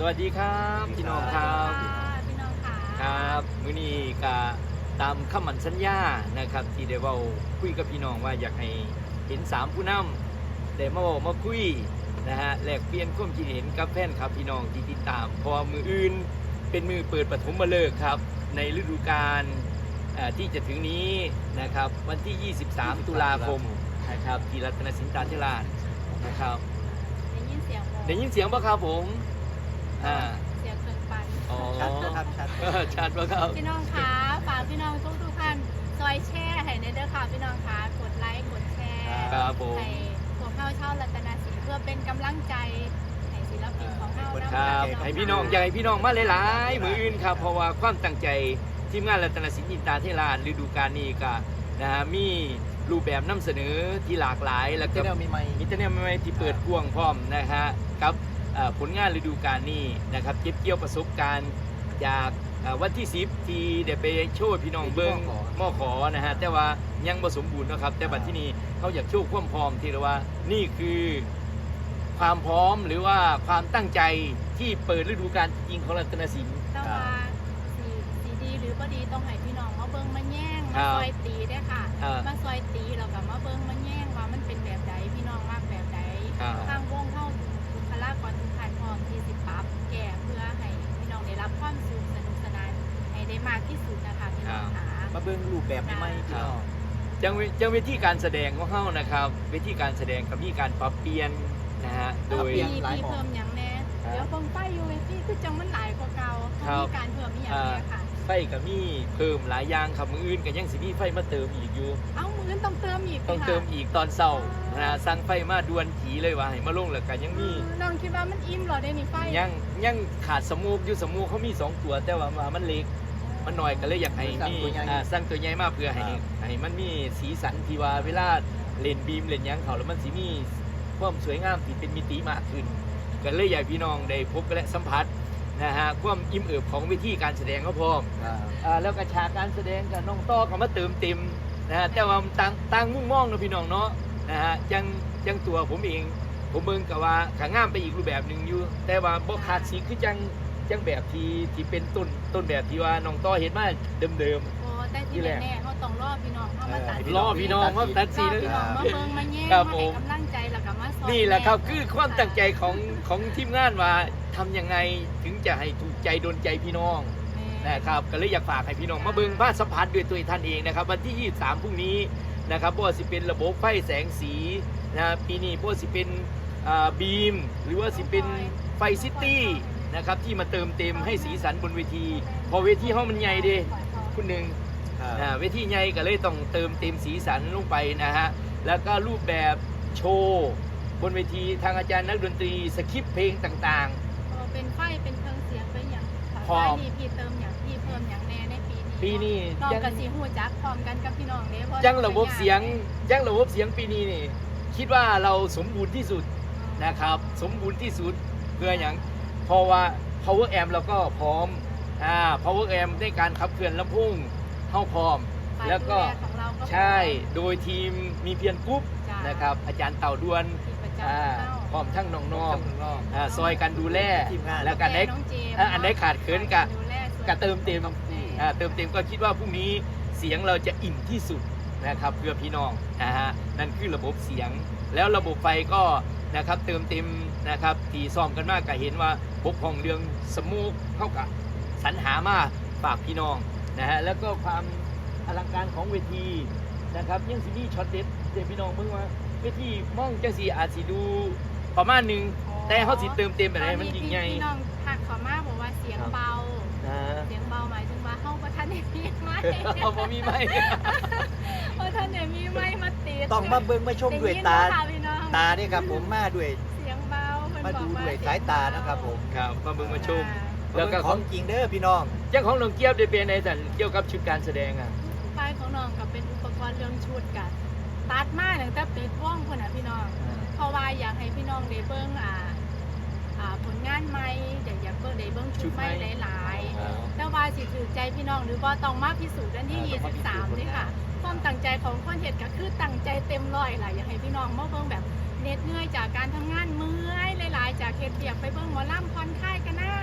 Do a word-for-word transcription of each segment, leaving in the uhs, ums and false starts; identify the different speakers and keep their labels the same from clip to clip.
Speaker 1: วัสดีครับพี่น้องครับ
Speaker 2: พี่น้องค่ะ
Speaker 1: ครับมื้อนี้ก็ตามคำมั่นสัญญานะครับที่ได้เว้าคุยกับพี่น้องว่าอยากให้เห็นสามผู้นำได้มาเว้ามาคุยนะฮะแลกเปลี่ยนความคิดเห็นกับแฟนครับพี่น้องที่ติดตามเพราะมืออื่นเป็นมือเปิดปฐมฤกษ์ครับในฤดูกาลที่จะถึงนี้นะครับวันที่ยี่สิบสามตุลาคมนะครับที่รัตนสินตาธิราชนะครับ
Speaker 2: ได้ยินเสียงบ่
Speaker 1: ได้ยินเสียงป่ะครับผมอ่า
Speaker 2: เสียงเครื่องปั่น
Speaker 1: อ๋อ
Speaker 3: ชัดนะครับชัด
Speaker 1: ชัดป่ะครับ
Speaker 2: พี่น้องคะฝากพี่น้องทุกทุกท่านซอยแชร์ให้ในเด้อค่ะพี่น้องคะกดไลค์กดแชร์
Speaker 1: ครับผม
Speaker 2: ให้พวกเข้าเช่ารัตนสินเพื่อเป็นกำลังใจให้ศิลปินของเรานะ
Speaker 1: ค
Speaker 2: ค
Speaker 1: รั
Speaker 2: รั
Speaker 1: บบ ให้พี่น้องอยากให้พี่น้องมาหลายๆมืออื่นครับเพราะว่าความตั้งใจทีมงานรัตนสินอินตาเทราชฤดูกาลนี้ก็นะฮะมีรูปแบบนำเสนอที่หลากหลายแล้วก็
Speaker 3: แนวมีไมค์
Speaker 1: มีแต่แนวใหม่ๆที่เปิดกว้างพร้อมนะฮะกับผลงานฤดูกาลนี้นะครับเก็บเกี่ยวประสบการณ์จากวันที่สิบที่ได้ไปโชว์พี่น้องเบิ้งมอขอนะฮะแต่ว่ายังบ่สมบูรณ์นะครับแต่บัดที่นี้เขาอยากโชว์ความพร้อมที่เรียกว่านี่คือความพร้อมหรือว่าความตั้งใจที่เปิดฤดูกาลจริงของรัตนสิน
Speaker 2: แต่ว่าสีสีดีหรือบ่ดีต้องให้พี่น้องมาเบิ่งมาแย่งมาซอยตีได้ค่ะมาซอยตีแล้วก็มาเบิ่งมาแย่งว่ามันเป็นแบบใดพี่น้องมากแบบใดทางวงเข้าบุคลากรทุกท่านพร้อมที่สิปรับแก้เพื่อให้พี่น้องได้รับความสุขสนุกสนานให้ได้มากที่สุดนะคะพี่น้องค่ะ
Speaker 3: มาเบิ่งรูปแบบมีไมค์พี่น้อง
Speaker 1: จังจังเวทีการแสดงของเฮานะครับเวทีการแสดงก็มีการปรับเปลี่ยนนะฮะโดย
Speaker 2: มีเพิ่มอย่างแน่เดี๋ยวคงไฟอยู่เวทีคือจังมันหลายกว่าเก่ามีการเพิ่มมีอย่างแน่ค่ะ
Speaker 1: ไฟก็มีเพิ่มหลายอย่างครับมืออื่นก็ยังสิมีไฟมาเติมอีกอยู่
Speaker 2: เอ้ามืออื่นต้องเติมอีก
Speaker 1: ต้องเติมอีกตอนเช้านะฮะสั่งไฟมาด่วนผีเลยว่าให้มาลงแล้วก็ยังมี
Speaker 2: น้องคิดว่ามันอิ่มหรอได้นี่ไฟ
Speaker 1: ยังยังขาดสมูกอยู่สมูกเขามีสองตัวแต่ว่ามันเล็กมันน้อยก็เลยอยากให้มีสร้างตัวใหญ่มากเพื่อให้ให้มันมีสีสันที่ว่าเวลาเล่นบีมเล่นยังเขาแล้วมันสิมีความสวยงามที่เป็นมิติมากขึ้นก็เลยอยากพี่น้องได้พบและสัมผัสนะฮะความอิ่มเอิบของวิธีการแสดงเขาพร้อมแล้วก็ฉากการแสดงกับน้องต้อก็มาเติมเต็มนะฮะแต่ว่าต่างต่างมุ่งมองนะพี่น้องเนาะนะฮะยังยังตัวผมเองผมเบิ่งกับว่าขางามไปอีกรูปแบบหนึ่งอยู่แต่ว่าบ่ขาดสีคือจังจังแบบที่ที่เป็นต้นต้นแบบที่ว่าน้องต้อเห็นมาเดิม
Speaker 2: ๆโอ้แต่ที่แน่ๆเขาต้องรอพี่น้องเขามาตัด
Speaker 1: รอพี่น้องเขาตัดสี
Speaker 2: พี่น้องมาเบิ่งมาแย่งมาให้กำลังใจแล้วก็มาสอน
Speaker 1: นี่แหละครับคือความตั้งใจของของทีมงานว่าทำยังไงถึงจะให้ถูกใจโดนใจพี่น้องนะครับก็เลยอยากฝากให้พี่น้องมาเบิ่งบ้านสัมผัสด้วยตัวท่านเองนะครับวันที่ยี่สิบสามพรุ่งนี้นะครับบ่ว่าสิเป็นระบบไฟแสงสีนะปีนี้บ่ว่าสิเป็นบีมหรือว่าสิเป็นไฟซิตี้นะครับที่มาเติมเต็มให้สีสันบนเวทีพอเวทีห้องมันใหญ่ดิคุณหนึ่งเวทีใหญ่ก็เลยต้องเติมเต็มสีสันลงไปนะฮะแล้วก็รูปแบบโชว์บนเวทีทางอาจารย์นักดนตรีสคริปต์เพลงต่าง
Speaker 2: ๆเป็นไฟเป็นเครื่องเสียงเป็นอย่างพอมีพี่เติมอย่างพี่เพิ่มอย่างแน่ในปีนี้
Speaker 1: ปีนี้
Speaker 2: น้องกับสีหูจักพร้อมกันกับพี่น้องเด้เพราะ
Speaker 1: ยังระบบเสียงยังระบบเสียงปีนี้นี่คิดว่าเราสมบูรณ์ที่สุดนะครับสมบูรณ์ที่สุดเพื่ออย่างเพราะว่า power amp เราก็พร้อมอ่า power amp ในการขับเคลื่อนลำโพงเข้าพร้อมแล้วก็ใช่โดยทีมมีเพียรกรุ๊ปนะครับอาจารย์เต่าดวนอ่าพร้อมทั้งน้องๆอ่าซอยกันดูแลแล้วกันได้อันไหนขาดเขินกะกะเติมเต็มอ่าเติมเต็มก็คิดว่าพรุ่งนี้เสียงเราจะอิ่มที่สุดนะครับเพื่อพี่น้องนะฮะนั่นคือระบบเสียงแล้วระบบไฟก็นะครับเติมเต็มนะครับที่ซ้อมกันมากก็เห็นว่าบกพร่องเรื่องสมูกเข้ากับสรรหามาฝากพี่น้องนะฮะแล้วก็ความอลังการของเวทีนะครับยังสิมีช็อตเด็ดเดี๋ยวพี่น้องเมื่อว่าเวทีมองจังสีอาจสิดูประมาณหนึ่งแต่เขาสิเติมเต็มอะไรมันยิ่งใหญ่
Speaker 2: พี่น้องทักขอมาบอกว่าเสียงเบาเสียงเบาหมายถึงว่าเข้าประทันเนี่ยมีไหม
Speaker 1: เขาบ่มีไหม
Speaker 2: ประทันเนี่ยมีไหมมาติด
Speaker 3: ต้องมาเบิ่งมาชมด้วยตาตาเนี่ยครับผมมาด้วย
Speaker 2: เสียงเบา
Speaker 3: มาดูด้วยสายตานะครับผม
Speaker 1: ครับมาเบิ่งมาชม
Speaker 3: แล้วก็ของจริงเด้อพี่น้อง
Speaker 1: เจ้าของน้องเกี๊ยวได้เป็นในสันเกี่ยวกับชุดการแสดงอ่ะ
Speaker 2: ไฟของน้องกับเป็นอุปกรณ์เรื่องชุดกันตัดมาตั้งแต่ปิดว่องคนน่ะพี่น้องเพราะว่าอยากให้พี่น้องได้เบิ่งอ่าอ่าผลงานใหม่เดี๋ยวอยากเบิ่งได้เบิ่งชุดใหม่หลายๆแต่ว่าสิถือใจพี่น้องหรือว่าต้องมาพิสูจน์กันที่ยี่สิบสามนี่ค่ะความตั้งใจของคนเฮ็ดก็คือตั้งใจเต็มร้อยล่ะอยากให้พี่น้องมาเบิ่งแบบเหน็ดเหนื่อยจากการทำงานเมื่อยหลายๆจากเฮ็ดเวียกไปเบิ่งหมอลำผ่อนคลายกันนะ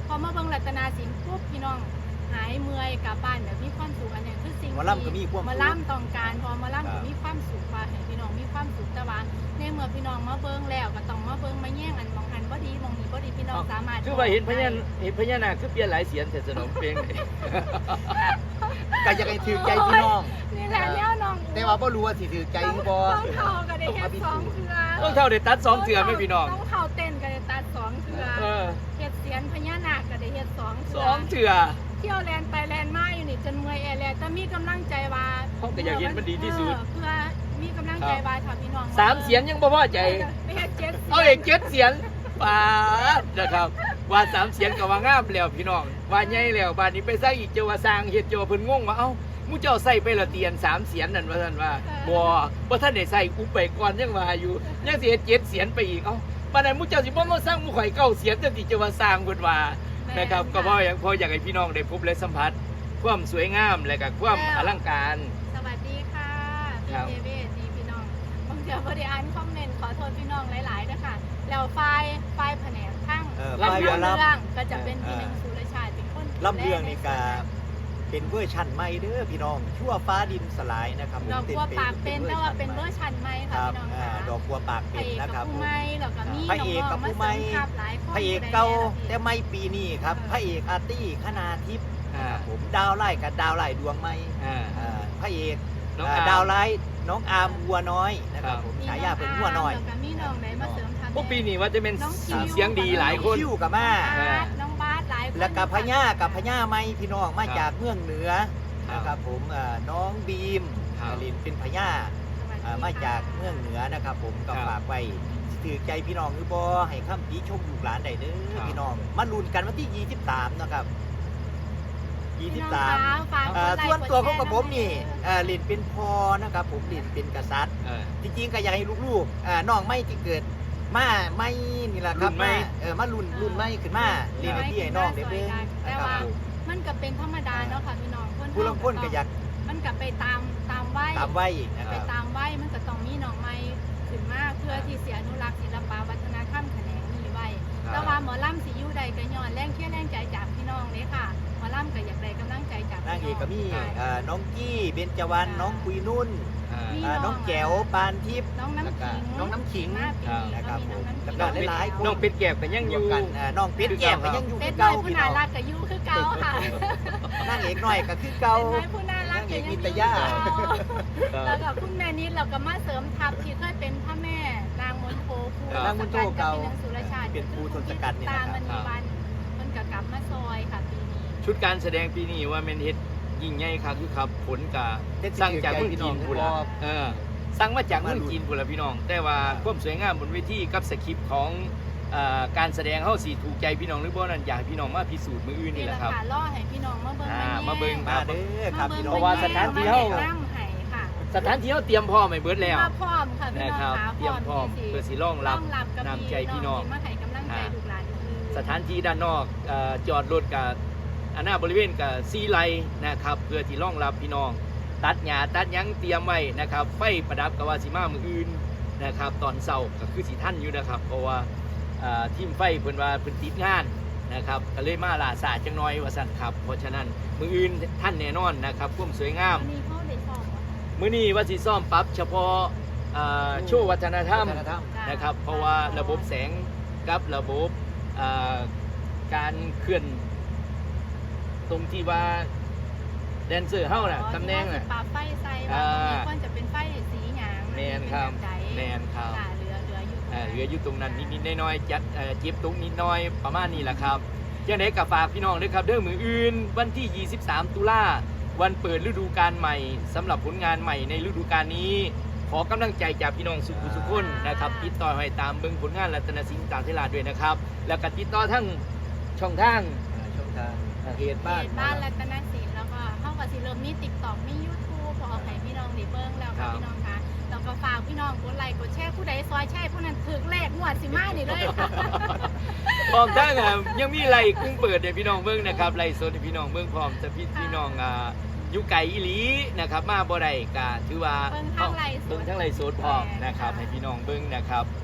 Speaker 2: พอมาเบิ่งรัตนาศิลป์ปุ๊บพี่น้องหายเมื่อยกลับบ้านแบบมีความสุขอันนี้คือสิ่ง
Speaker 3: หมอลำก็มีความสุข
Speaker 2: หมอลำต้องการพอหมอลำก็มีความสุขว่าให้พี่น้องมีความสุขแต่ว่าในเมื่อพี่น้องมาเบิ่งแล้วก็ต้องมาเบิ่งมาแย่งอันมองหันบ่ดีมองนี้บ่ดีพี่น้องสามารถ
Speaker 1: คือว่าเห็นพญาเห็นพญานาคคือเปลี่ยนหลายเสียงแต่สนมเพลง
Speaker 3: ก็อยากให้ถือใจพี่น้อง
Speaker 2: นี่แหละแนวน้อง
Speaker 3: แต่ว่าบ่รู้ว่าสิถือใจหรือบ่
Speaker 2: ต้องเข่าก็ได้แค่สองเทื่อ
Speaker 1: ต้องเท่าได้ตัดสองเถื่อไหมพี่น้อง
Speaker 2: ต้องเข่าเต้นก็ได้ตัดสองเทื่อ
Speaker 1: เออ
Speaker 2: เฮ็ดเสียนพญานาคก็ได้เฮ็ดสอง
Speaker 1: ส
Speaker 2: เทื่
Speaker 1: องเถื่อ
Speaker 2: เที่ยวแลนไปแลนมาอยู่นี่จนเมื่อยแอร์แลนแต่มีกำลังใจว่า
Speaker 1: เขาก็อยากเห็นมันดีที่สุด
Speaker 2: เออเพื่อมีกำลังใจว่าถ้าพี่น้อง
Speaker 1: สามเสียงยังบ่พอใจ
Speaker 2: ไม่เฮ็ดเจ็ดเสียง
Speaker 1: เอาเอกเจ็ดเสียงปาดนะครับ ว่าสามเสียงก็ว่างามแล้วพี่น้องว่าใหญ่แล้วบ้านนี้ไปสร้างอีกเจ้าว่าสร้างเฮ็ดเจ้าว่าเพิ่นงงว่าเอ้ามูเจ้าใส่ไปละเตียนสามเสียงนั่นว่าท่านว่าบ่บ่ท่านได้ใส่อุปไปก่อนยังว่าอยู่ยังสิเฮ็ดเจ็ดเสียงไปอีกเอ้าปานนั้นมูเจ้าสิบ่มาสร้างมูข่อยเก้าเสียงจังสิเจ้าว่าสร้างเพิ่นว่านะครับก็เพราะอย่างพออยากให้พี่น้องได้พบและสัมผัสความสวยงามและก็ความอลังการ
Speaker 2: สวัสดีค่ะ
Speaker 1: ครับ
Speaker 2: พี่เจเวดีพี่น้องบางเทื่อบ่ได้อ่านคอมเมนต์ขอโทษพี่น้องหลายๆนะคะแล้วไฟล์ไฟล์แผนกทั้ง
Speaker 3: เออ
Speaker 2: ลำ
Speaker 3: ฝ่าย
Speaker 2: เรื่
Speaker 3: หมอลำ
Speaker 2: องก็จะเป็นพี่หนึ่งสุรชาติเป็นคน
Speaker 3: ลำเรื่องนี่ก็เป็นเวอร์ชันใหม่เด้อพี่น้องชั่วฟ้าดินสลายนะครับผม
Speaker 2: ดอกบัวปากเป็นแต่ว่าเป็นเวอร์ชันใหม่
Speaker 3: ค
Speaker 2: ค่ะ
Speaker 3: รับ
Speaker 2: พี่น้อง
Speaker 3: อ่า
Speaker 2: ค่ะ
Speaker 3: ดอกบัวปาก
Speaker 2: พ
Speaker 3: เป็
Speaker 2: ระ
Speaker 3: น
Speaker 2: เอก
Speaker 3: นะค
Speaker 2: กั
Speaker 3: รั
Speaker 2: บบ ผู้ใหม่แล้วก็มี
Speaker 3: พระเอกกับผู้ใหม่
Speaker 2: น้องๆาเสริทัพหลายคน
Speaker 3: พระเอกเก่าแต่ไม่ปีนี้ครับพระเอกอาร์ตี้คณาทิพย์
Speaker 1: อ่า
Speaker 3: ผมดาวไล่กับดาวไล่ดวงไม้
Speaker 1: อ่า
Speaker 3: อ่าพระเอก
Speaker 1: น้อง
Speaker 3: อ่า
Speaker 1: อาร์ม
Speaker 3: ดาวไล่น้องอาร์มวัวน้อยนะครับ
Speaker 1: ครับ
Speaker 3: ผมฉายาเป็นวัวน้อย
Speaker 2: แล้วก็มีน้องไหนมาเสริมทัพ
Speaker 1: พวกปีนี้ว่าจะเป็น
Speaker 2: น้องคิว
Speaker 1: เสียงดีหลายคน
Speaker 3: คิวกับมา
Speaker 2: บาสน้องบาสหลายคน
Speaker 3: แล้วกับพญากับพญาไม้พี่น้องมา
Speaker 1: ครับ
Speaker 3: จากเมืองเหนือ
Speaker 1: ครับ
Speaker 3: นะครับผมอ่าน้องบีม
Speaker 1: ครับ
Speaker 3: ลินเป็นพญา อ่ามาจากเมืองเหนือนะครับผมก็
Speaker 1: ครับ
Speaker 3: ฝากไว้ถือใจพี่น้องหรือบ่ให้ข้ามปีชมลูกหลานได้เด้อ
Speaker 1: ครับ
Speaker 3: พี่น้องมาลุ้นกันวันที่ยี่สิบสามนะครับยี่สิบสาม
Speaker 2: ฝากกด
Speaker 3: อ่า
Speaker 2: ไลค์
Speaker 3: ส่วนตัวของ
Speaker 2: ก
Speaker 3: กับ
Speaker 2: ดแชร์
Speaker 3: ผมนี่
Speaker 2: ด้วย
Speaker 3: อ่าลินเป็นพ่อนะครับผมลินเป็นกษัตริย์
Speaker 1: เออ
Speaker 3: จริงๆก็อยากให้ลูกๆอ่าน้องไม่ที่เกิดมาไม่นี่แหละครับ
Speaker 1: รุ่นไม่
Speaker 3: มาเออมารุ่นรุ่นไม่ขึ้นมาเรียนให้พี่ให้น้องเด้อเด้อ
Speaker 2: แต่
Speaker 3: นะครับ
Speaker 2: ว่า
Speaker 3: ผม
Speaker 2: มันก็เป็นธรรมดาเนาะค่ะพี่น้องคน
Speaker 3: ผู้ลางคนก็อยาก
Speaker 2: มันก็ไปตามตามวัย
Speaker 3: ตามไว้นะค
Speaker 2: ไป
Speaker 3: รับ
Speaker 2: ตามวัยมันก็ต้องมีน้องใหม่ขึ้นมาเพื่อที่เสียอนุรักษ์ศิลปวัฒนธรรมแขนงนี้ไว้
Speaker 1: ครับ
Speaker 2: แต่ว่าหมอลำสิอยู่ใดก็ย้อนแรงเชี่ยแรงใจจากพี่น้องเลยค่ะหมอลำก็อยากได้กำลังใจจาก
Speaker 3: นางเอกก็มี
Speaker 2: ค่ะ
Speaker 3: อ่าน้องกี้เบญจวรรณน้องคุยนุ่น
Speaker 1: อ่า
Speaker 2: มี
Speaker 3: อ่าน้องแก้วปานทิพย์
Speaker 2: น้องน้ำขิง
Speaker 3: น้องน้ำขิง
Speaker 2: มาปีนี้
Speaker 3: นะครับ
Speaker 2: ก็มีน้องน้ำขิง
Speaker 3: แล้วก็หลายๆคน
Speaker 1: น้องเป็ดแก้วก็ยังอ
Speaker 3: รวม
Speaker 1: ยู่
Speaker 3: กันอ่าน้องเป็ดแก้มก็ยังอยู่
Speaker 2: เป็
Speaker 3: คื
Speaker 2: ด
Speaker 3: อ
Speaker 2: น้อ
Speaker 3: เก่าย
Speaker 2: ผู้
Speaker 3: พี่
Speaker 2: น่า
Speaker 3: น้อง
Speaker 2: รักก็อยู่คือเก่าค่ะ
Speaker 3: นางเอกหน่อยก็คือเก่า
Speaker 2: เป็นน้อยผู้น่ารักก็ยังอยู่คือเก่าแล้วก็คุณแม่นิดเราก็มาเสริมทัพที่เคยเป็นพระแม่นางมณโฑครู
Speaker 3: นางมณโฑเก่า
Speaker 2: เป็นสุรชาติ
Speaker 3: เป็นครูทศกัณฐ์นี่
Speaker 2: ตา
Speaker 3: นะครับ
Speaker 2: มันมีวันมันก็กลับมาซอยค่ะปีนี้
Speaker 1: ชุดการแสดงปีนี้ว่าแมนเฮ็ดยิ่งใหญ่ครับคือครับผลกะสั่งจากเมืองจีนพูนละเออสั่งมาจากเมืองจีนพูนละพี่น้อง แต่ว่าความสวยงามบนเวทีกับสคริปต์ของเอ่อการแสดงเฮาสิถูกใจพี่น้องหรือบ่นั้นอยากให้พี่น้องมาพิสูจน์มืออื่นนี่แหละครับ
Speaker 2: ค่ะล่อให้พี่น้องมาเบิ่ง
Speaker 1: อ่า
Speaker 2: แย่
Speaker 1: มาเบิ่ง
Speaker 3: มาเด้อครับพี่น้อง
Speaker 1: เพราะว่าสถานที่เฮา
Speaker 2: น้ำไห้ค่ะ
Speaker 1: สถานที่เฮาเตรียมพร้อมไว้เบิดแล้ว
Speaker 2: มาพร้อมค่ะพี่
Speaker 1: นะ
Speaker 2: น้อง
Speaker 1: ครับ
Speaker 2: ค่ะ
Speaker 1: เตรียมพร้อมเพื่อสิรองรับ
Speaker 2: ต้รับกับ
Speaker 1: น้ำใจพี่น้อง
Speaker 2: ที่มาให้กำลังใจลูกหลานอื่น
Speaker 1: สถานที่ด้านนอกเอ่อจอดรถกับอันหน้าบริเวณกับซีไลนะครับเพื่อที่รองรับพี่น้อง ตัดหญ้าตัดหยังเตรียมไว้นะครับไฟประดับกับว่าสิมามืออื่นนะครับตอนเช้าก็คือสิท่านอยู่นะครับ เพราะว่าเอ่อทีมไฟเพิ่นว่าเพิ่นติดงานนะครับก็เลยมาล่าสาจังน้อยว่าสั่นครับเพราะฉะนั้นมืออื่นท่านแน่นอนนะครับความสวยงาม
Speaker 2: วันนี้เขาได้สอบว่า
Speaker 1: มื้อนี้ว่าสิซ่อมปรับเฉพาะเอ่อโชว์วัฒนธรรม
Speaker 3: วัฒนธรรม
Speaker 1: นะครับ เพราะว่าระบบแสงกับระบบเอ่อการเคลื่อนตรงที่ว่าแดนเซอร์เฮาน่ะตำแหน่งน่ะ
Speaker 2: ปาไฟใส่
Speaker 1: อ่า
Speaker 2: ว่าควรจะเป็นไฟสีหยาง
Speaker 1: แมนครับ
Speaker 2: เป็นแใด
Speaker 1: แมนครับ
Speaker 2: ค่ะเหลือเหลืออยู่
Speaker 1: เอ่อเหลืออยู่ตรงนั้นนิดๆน้อยๆจัดเอ่อเจ็บตรงนิดน้อยประมาณนี้แหละครับยังไงกับฝากพี่น้องด้วยครับเด้อมืออื่น วันที่ ยี่สิบสาม ตุลาวันเปิดฤดูกาลใหม่สำหรับผลงานใหม่ในฤดูกาลนี้ ขอกำลังใจจากพี่น้องสุขุสุขคนนะครับติดต่อให้ตามเบิ่งผลงานรัตนศิลป์ตามเทลาด้วยนะครับ แล้วก็ติดต่อทั้งช่องทาง
Speaker 3: อ่าช่องทางเพจ
Speaker 2: บ้า
Speaker 3: บ้าน น
Speaker 2: บ้านรัตนศิลป์แล้วก็เข้ากับสิเริ่มมีติ๊กต็อกมียูทูบพอเอาให้พี่น้องได้เบิ่งแล้ว
Speaker 1: ครั
Speaker 2: ค่ะ
Speaker 1: บ
Speaker 2: พี่น้องคะแล้วก็ฝากพี่น้องกดไลค์กดแชร์ผู้ใดซอยแชร์ผู้นั้นถึงเลขงวดสิมานี่เลยค่ะ
Speaker 1: พร้อมทั้งอ่ะยังมีไล่กุ้งเปิดให้พี่น้องเบิ่งนะครับไล่สดให้พี่น้องเบิ่งพร้อมจะพี่พี่น้องอ่าอยู่ไกลอีหลีนะครับมาบ่ได้ก็ถือว่า
Speaker 2: เบิ่งทางไลฟ์สด
Speaker 1: เบิ่งทั้งไล่สดพร้อมนะครับให้พี่น้องเบิ่งนะครับ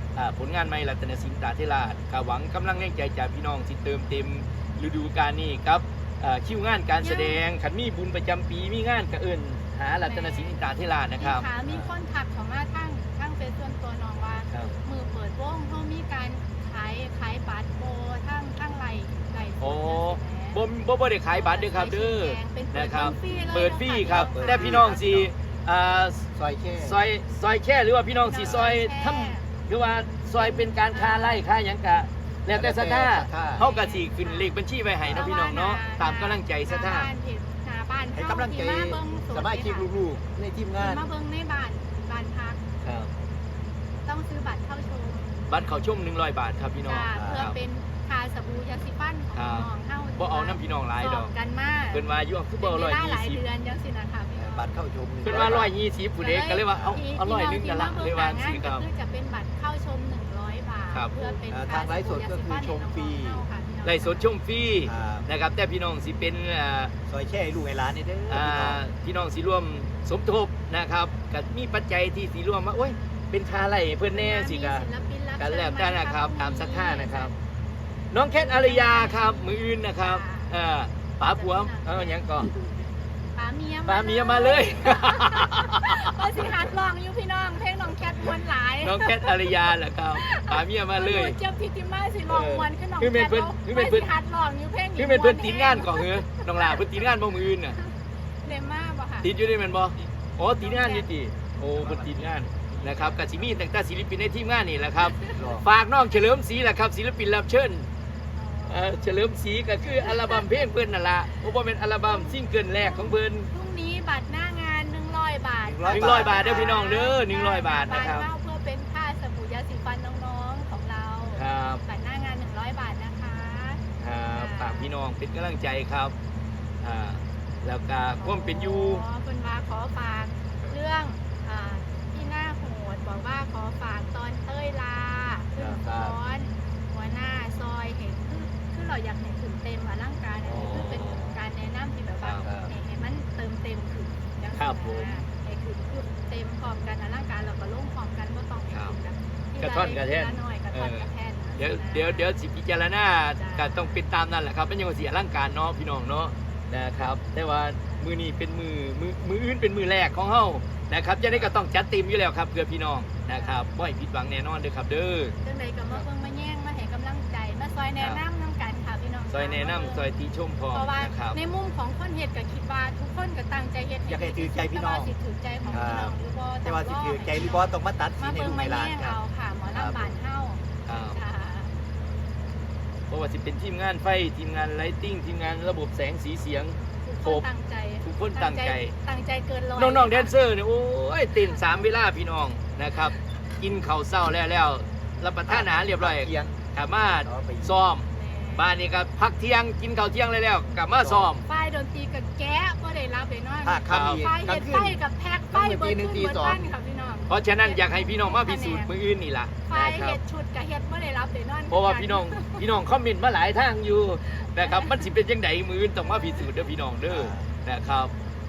Speaker 1: อ่าผลงานใหม่รัตนสินตราเทราชก็หวังกำลังแรงใจจากพี่น้องสิเติมเต็มฤดูกาลนี้ครับอ่าคิวงานการแสดงขันมีบุญประจำปีมีงานกระเอินหารัตนสินตราเทราชนะครับ
Speaker 2: มีขามีคนถักเขามาทั้งทั้งเฟซส่วนตัวน้องว่า
Speaker 1: ครับ
Speaker 2: มือเปิดวงเขามีการขายขายบัตรโบทั้งทั้งไหลไหล
Speaker 1: โอ้บ่บ่บ่ได้ขายบัตรเด้อครับเด้อนะครับ เปิดฟรีครับแต่พี่น้องสิอ่า
Speaker 3: ซอยแค่
Speaker 1: ซอยซอยแค่หรือว่าพี่น้องสิซอยทำหรือว่าซอยเป็นการค้าไร่ค้าหยังกะแล้วแต่ศรัทธาเฮาก็สิขึ้นเลขบัญชีไว้ให้เนาะพี่น้องเนาะตามกำลังใจศรัทธา
Speaker 2: หน้าบ้าน
Speaker 3: ให้กำลังใจสมาชิกลูกๆในทีมงาน
Speaker 2: มาเบิ่งในบ้านบ้านพัก
Speaker 1: ครับ
Speaker 2: ต้องซื้อบัตรเข้าชม
Speaker 1: บัตรเข้าชมหนึ่งร้อยบาทครับพี่น้อง
Speaker 2: จ้า
Speaker 1: ค
Speaker 2: เพื่อ
Speaker 1: รับ
Speaker 2: เป็นทาสบู่ยาสีฟันของน้องเฮา
Speaker 1: บ่เอาน้ำพี่น้องหลายดอก
Speaker 2: สบกันมาก
Speaker 1: เพิ่นว่าอยู่คือบ่
Speaker 2: เป็น
Speaker 1: ร้อย
Speaker 2: เวลาหลาย
Speaker 1: ยี่สิบ
Speaker 2: เดือนจังสินะคะพี่น้อง
Speaker 3: บัตรเข้าชม
Speaker 1: เพิ่นว่าร้อยยี่สิบผู้เด็กก็เลยว่าเอาเอาร้อยหนึงกันละเลยว่าสิครับ
Speaker 2: คือจะเป็นบัตรเข้าชมหนึ่งร้อยบาท
Speaker 1: ครับ
Speaker 2: เพื่อเป็น
Speaker 3: ทางไลฟ์สดก็คือชมฟรี
Speaker 1: ไล่สดชมฟรีนะครับแต่พี่น้องสิเป็นอ่า
Speaker 3: ซอยแช่ให้ลูกให้หลานนี่เด้อ
Speaker 1: อ่า
Speaker 3: พี่น้อง
Speaker 1: พี่น้องสิร่วมสมทบนะครับก็มีปัจจัยที่สิร่วมว่าโอ้ยเป็นค่าไร่เพิ่นแน่สิกะ กันแล้วแต่นะครับตามศรัทธานะครับ น้องแคทอารยาครับมืออื่นนะครับเอ่อป๋าผัวเออหยังก่อน
Speaker 2: ป๋าเมีย
Speaker 1: ป๋าเมียมาเลย
Speaker 2: ก็สิฮัดลองอยู่พี่น้องเพลงน้องแคทมวนหลาย
Speaker 1: น้องแคทอารยาแหละครับป๋าเมียมาเลย
Speaker 2: เจ้าพิติมาสิลองมวนขึ้นน้อง
Speaker 1: คือเป็นเพิ่นคือเป็นเพิ่น
Speaker 2: ฮัดลองอยู่เพลง
Speaker 1: คือเป็นเพิ่นตีงานก่อนเหรอน้องลาเพิ่นตีงานบ่มืออื่นน่ะ
Speaker 2: เลม่าบ่ค่ะ
Speaker 1: ติดอยู่ได้แม่นบ่อ๋อตีงานอยู่ติโอ้เพิ่นตีงานนะครับก็สิมีตั้งแต่ศิลปินในทีมงานนี่แหละครับ ฝากน้องเฉลิมศรีแหละครับศิลปินรับเชิญเอ่อเฉลิมศรีก็คืออัลบั้มเพลงเพิ่นนั่นล่ะเพราะว่าเป็นอัลบั้มซิงเกิลแรกของเพิ่น
Speaker 2: พรุ่งนี้บัตรหน้างานหนึ่งร้อยบาท
Speaker 1: หนึ่งร้อยบาทเด้อพี่น้องเด้อหนึ่งร้อยบาทนะครับ
Speaker 2: เพื่อเป็นค่าสบู่ยาสีฟันน้องๆของเรา
Speaker 1: ครับ
Speaker 2: บัตรหน้างานหนึ่งร้อยบาทนะคะ
Speaker 1: ครับฝากพี่น้องเป็นกำลังใจครับอ่าแล้วก็ความเป็นอยู่
Speaker 2: อ๋อคุณว่าขอฝากเรื่องอ่าที่หน้าโหดบอกว่าขอฝากตอนเต้ยลาขึ้นคอนหัวหน้าซอยเห็นคือคือเราอยากเห็นถึงเต็มอลังการอันนี้คือเป็นการแนะนำที่แบบว่าให้ให้มันเติมเต็มขึ้นอย่าง
Speaker 1: ครับผม
Speaker 2: ให้ขึ้นคือเต็มพร้อมกันอลังการเราก็ลงพร้อมกันก็ต้องให้ขึ้นกันที
Speaker 1: กระท่อนกระแท่น
Speaker 2: ทีละน้อยกระท่อนกระแท่น
Speaker 1: เดี๋ยวเดี๋ยวเดี๋ยวสิพิจารณาก็ต้องเป็นตามนั่นแหละครับเป็นยังไงเสียร่างการเนาะพี่น้องเนาะนะครับ แต่ว่ามือนี้เป็นมือมือมืออื่นเป็นมือแรกของเฮานะครับจะได้ก็ต้องจัดเต็มอยู่แล้วครับเพื่อพี่น้องนะครับบ่ให้ผิดหวังแน่นอนเด้อครับเด้อ
Speaker 2: จังใดก็มาเพิ่งมาแย่งมาให้กำลังใจมาซอยแนะนำน้ำกันค่ะพี่น้อง
Speaker 1: ซอยแนะนำซอยตีชมพร้อม
Speaker 2: เพราะว่า
Speaker 1: นะครับ
Speaker 2: ในมุมของคนเฮ็ดก็คิดว่าทุกคนก็ตั้งใจเฮ็ด
Speaker 3: อยากให้ถือใจพี่น้อง
Speaker 2: แต่ว่าสิถือใจของพี่น้องหรือบ่
Speaker 3: แต่ว่าสิถือใจหรือบ่ต้องมาตัดสิ
Speaker 2: มาน
Speaker 3: ให้
Speaker 2: เบิ่
Speaker 3: ลู
Speaker 2: ง
Speaker 3: ก
Speaker 2: มา
Speaker 3: ให้หลาน
Speaker 2: แย่ง
Speaker 3: ครับ
Speaker 2: เอาค่ะหมอลำบานเฮา
Speaker 1: ครับ
Speaker 2: จ้า
Speaker 1: เพราะว่าสิเป็นทีมงานไฟทีมงานไลติ้งทีมงานระบบแสงสีเสียง
Speaker 2: ทุกคนตั้งใจ
Speaker 1: ทุกคนตั้งใจ
Speaker 2: ตั้งใจเกินร้อย
Speaker 1: น้องๆแดนเซอร์เนี่ยโอ้ยเต้นสามเวลาพี่น้องนะครับ กินข้าวเศร้าแล้วแล้วรับประทานอาหารเรียบร้อย
Speaker 3: เที่ยง
Speaker 1: กลับมาซ้อมบ้านนี้ก็พักเที่ยงกินข้าวเที่ยงเลยแล้วกลับมาซ้อม
Speaker 2: ป้ายดนตรีกับแก๊บ่ได้รับเลยเนาะ
Speaker 3: ภาคคำอีก
Speaker 2: ป้าย
Speaker 3: กลา
Speaker 2: เฮ็
Speaker 3: ง
Speaker 2: ด
Speaker 3: คื
Speaker 2: ไฟ
Speaker 3: น
Speaker 2: กับแพ็คป้ายเบิด
Speaker 3: หนึ่
Speaker 2: ขึ้
Speaker 3: ง
Speaker 2: น
Speaker 3: ตี
Speaker 2: เบิด
Speaker 3: สอง
Speaker 2: บ้านค่ะพี่น้อง
Speaker 1: เพราะฉะนั้นอยากให้พี่น้องมาพิสูจน์มืออื่นนี่ล่ะ
Speaker 2: ไฟ
Speaker 1: นะครั
Speaker 2: เฮ็
Speaker 1: บ
Speaker 2: ดชุดกับเฮ็ดบ่ได้รับเลยเนาะ
Speaker 1: เพราะว่าพี่น้องพี่น้องคอมเมนต์มาหลายทางอยู่นะครับมันสิเป็นจังไดมืออื่นต้องมาพิสูจน์เด้อพี่น้องเด้อนะครับ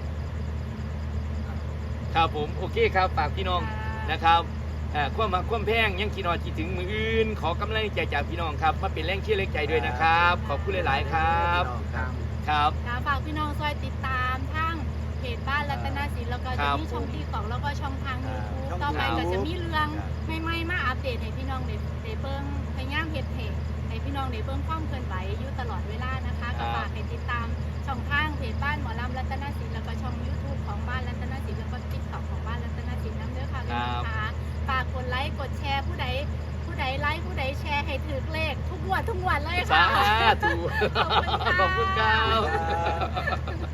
Speaker 1: ครับผมโอเคครับฝากพี่น้องนะครับอ่าความมาความแพงยังคิดนอคิดถึงมืออื่น ขอกำลังใจจากพี่น้องครับมาเป็นแรงเชียร์แรงใจด้วยนะครับ ขอบคุณหลาย ๆ ครับ
Speaker 3: ครับ
Speaker 1: ครับ
Speaker 2: ค่ะฝากพี่น้องซอยติดตามทั้งเพจบ้านรัตนศิลป์แล้วก็
Speaker 1: ครั
Speaker 2: จะ
Speaker 1: บ
Speaker 2: มีช่องที่สองแล้วก็ช่องทางยูทูบ
Speaker 3: ช่อง
Speaker 2: ต่อไป
Speaker 3: ทาง
Speaker 2: ก็จะมีเรื่อง
Speaker 3: ครับ
Speaker 2: ใหม่ๆมาอัปเดตให้พี่น้องได้ได้เบิ่งพยายามเฮ็ดเพจให้พี่น้องได้เบิ่งความเคลื่อนไหวอยู่ตลอดเวลานะคะก็ฝากให้ติดตามช่องทางเพจบ้านหมอลำรัตนศิลป์แล้วก็ช่อง YouTube ของบ้านรัตนศิลป์แล้วก็ TikTok ของบ้านรัตนศิลป์นำเด้อค่ะพี่น้องค่ะฝากกดไลค์กดแชร์ผู้ใดผู้ใดไลค์ผู้ใดแชร์ให้ถือเลขทุกงวันทุกวันเลย
Speaker 1: สา
Speaker 2: ค่ะ
Speaker 1: ธุ
Speaker 2: ขอบคุณค่ะ
Speaker 1: ขอบคุณครับ
Speaker 3: ครับ